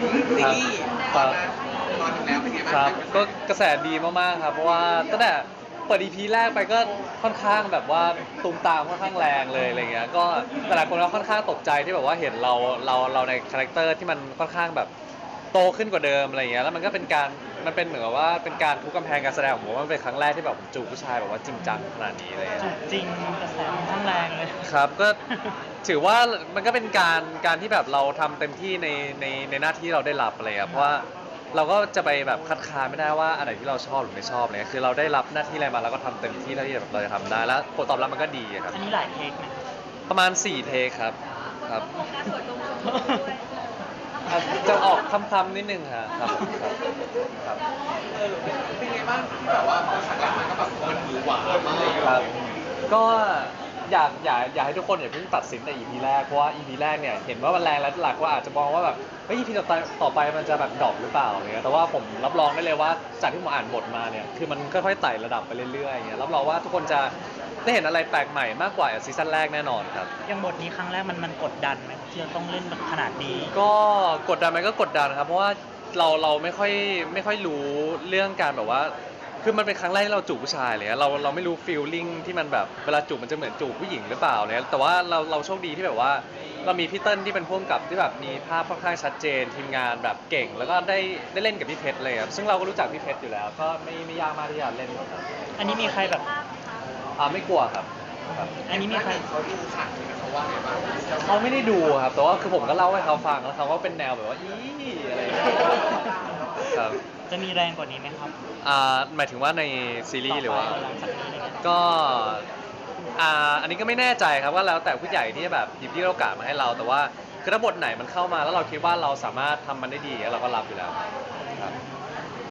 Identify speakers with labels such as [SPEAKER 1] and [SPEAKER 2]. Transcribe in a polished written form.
[SPEAKER 1] ซี
[SPEAKER 2] ครับ
[SPEAKER 1] รีส์
[SPEAKER 2] ค
[SPEAKER 1] ออน
[SPEAKER 2] รับ
[SPEAKER 1] มาตอนถึงแล้วเป็นไงบ้าง
[SPEAKER 2] ครับ
[SPEAKER 1] คะ
[SPEAKER 2] ก็กระแสดีมากๆครับเพราะว่าตั้งแต่เปิด EP แรกไปก็ค่อนข้างแบบว่าตูมตามค่อนข้างแรงเลยอะไรเงี้ยก็แต่หลายคนก็ค่อนข้างตกใจที่แบบว่าเห็นเราในคาแรคเตอร์ที่มันค่อนข้างแบบโตขึ้นกว่าเดิมอะไรเงี้ยแล้วมันก็เป็นการมันเป็นเหมือนกับว่าเป็นการทุบกำแพงการแสดงของผมว่ามันเป็นครั้งแรกที่แบบผมจูบผู้ชายแบบว่าจริงจังขนาดนี้เลย
[SPEAKER 3] จูบจริงกระแสค่อนข้างแรงเลย
[SPEAKER 2] ครับก็ถือว่ามันก็เป็นการที่แบบเราทำเต็มที่ในหน้าที่เราได้รับอะไรครับเพราะว่าเราก็จะไปแบบคัดค้านไม่ได้ว่าอันไหนที่เราชอบหรือไม่ชอบเลยคือเราได้รับหน้าที่อะไรมาเราก็ทำเต็มที่เท่าที่แบบเราจะทำได้แล้วผลตอบรับมันก็ดีอะครับ
[SPEAKER 3] อันนี้หลายเทคไหม
[SPEAKER 2] ประมาณ4เทคครับครับจะออกคำๆนิดนึงครับผมครับ
[SPEAKER 1] เป็นไงบ้างที่แบบว่าพอฉากแรกมันก็แบบมันหวือหวามาก
[SPEAKER 2] ครับก็อยากให้ทุกคนอย่าเพิ่งตัดสินใน EP แรกเพราะว่า EP แรกเนี่ยเห็นว่ามันแรงแล้วหลักว่าอาจจะมองว่าแบบเฮ้ย EP ต่อไปมันจะแบบดรอปหรือเปล่าเนี่ยแต่ว่าผมรับรองได้เลยว่าจากที่ผมอ่านบทมาเนี่ยคือมันค่อยๆไต่ระดับไปเรื่อยๆอย่างเงี้ยรับรองว่าทุกคนจะได้เห็นอะไรแปลกใหม่มากกว่าซีซั่นแรกแน่นอนครับ
[SPEAKER 3] อย่างบทนี้ครั้งแรกมันกดดันไหมที่จะต้องเล่นขนาดนี้
[SPEAKER 2] ก็กดดันไหมก็กดดันครับเพราะว่าเราไม่ค่อยรู้เรื่องการแบบว่าคือมันเป็นครั้งแรกที่เราจูบผู้ชายเลยเราไม่รู้ฟีลลิ่งที่มันแบบเวลาจูบมันจะเหมือนจูบผู้หญิงหรือเปล่าเนี่ยแต่ว่าเราโชคดีที่แบบว่าเรามีพี่เติ้ลที่เป็นผู้กำกับที่แบบมีภาพค่อนข้างชัดเจนทีมงานแบบเก่งแล้วก็ได้เล่นกับพี่เพชรเลยครับซึ่งเราก็รู้จักพี่เพชรอยู่แล้วก็ไม่ยากมากที่จะเล่นครับ
[SPEAKER 3] อันนี้มีใครแบบ
[SPEAKER 2] ไม่กลัวครับครับ
[SPEAKER 3] อันนี้มีใคร
[SPEAKER 1] เขาดูฉากนี้เขาว่าไงบ้าง
[SPEAKER 2] เขาไม่ได้ดูครับแต่ว่าคือผมก็เล่าให้เขาฟังแล้วเขาก็เป็นแนวแบบว่าอะไรอย่างเงี้ยครับ
[SPEAKER 3] จะมีแรงกว่านี้ไหมครับ
[SPEAKER 2] หมายถึงว่าในซีรีส์หรือว่า
[SPEAKER 3] ต่อไปหลังจากนี้อะไรเงี้ย
[SPEAKER 2] ก็อันนี้ก็ไม่แน่ใจครับว่าแล้วแต่ผู้ใหญ่ที่จะแบบหยิบยื่นโอกาสมาให้เราแต่ว่าคือถ้าบทไหนมันเข้ามาแล้วเราคิดว่าเราสามารถทำมันได้ดีเราก็รับอยู่แล้วครับ